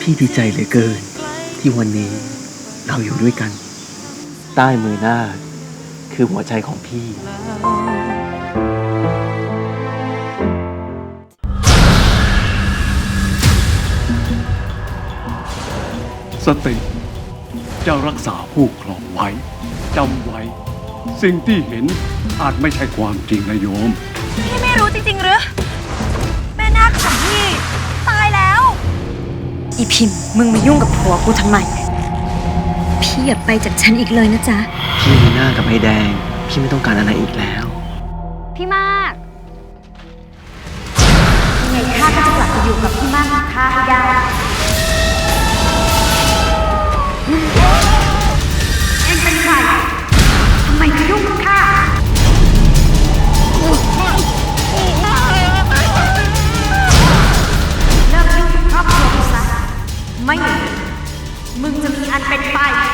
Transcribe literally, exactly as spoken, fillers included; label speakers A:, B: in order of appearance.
A: พี่ดีใจเหลือเกินที่วันนี้เราอยู่ด้วยกัน ใต้มือนาคคือหัวใจของพี่
B: สติจะรักษาผู้ครองไว้จำไว้ สิ่งที่เห็นอาจไม่ใช่ความจริงนะโยม
C: พี่ไม่รู้จริงๆหรือแม่นาคของพี่ตายแล้วอีพิมพ์มึงมายุ่งกับผัวกูทำไมพี่อย่าไปจากฉันอีกเลยนะจ๊ะ
A: พี่มีหน้ากับไอ้แดงพี่ไม่ต้องการอะไรอีกแล้ว
C: พี่มากยังไงข้าก็จะกลับไปอยู่กับพี่มากของข้าให้ได้เอ็งเป็นใครทำไมมายุ่งกับข้าเลิกยุ่งกับครอบครัวกูซะไม่อย่างนั้นมึงจะมีอันเป็นไป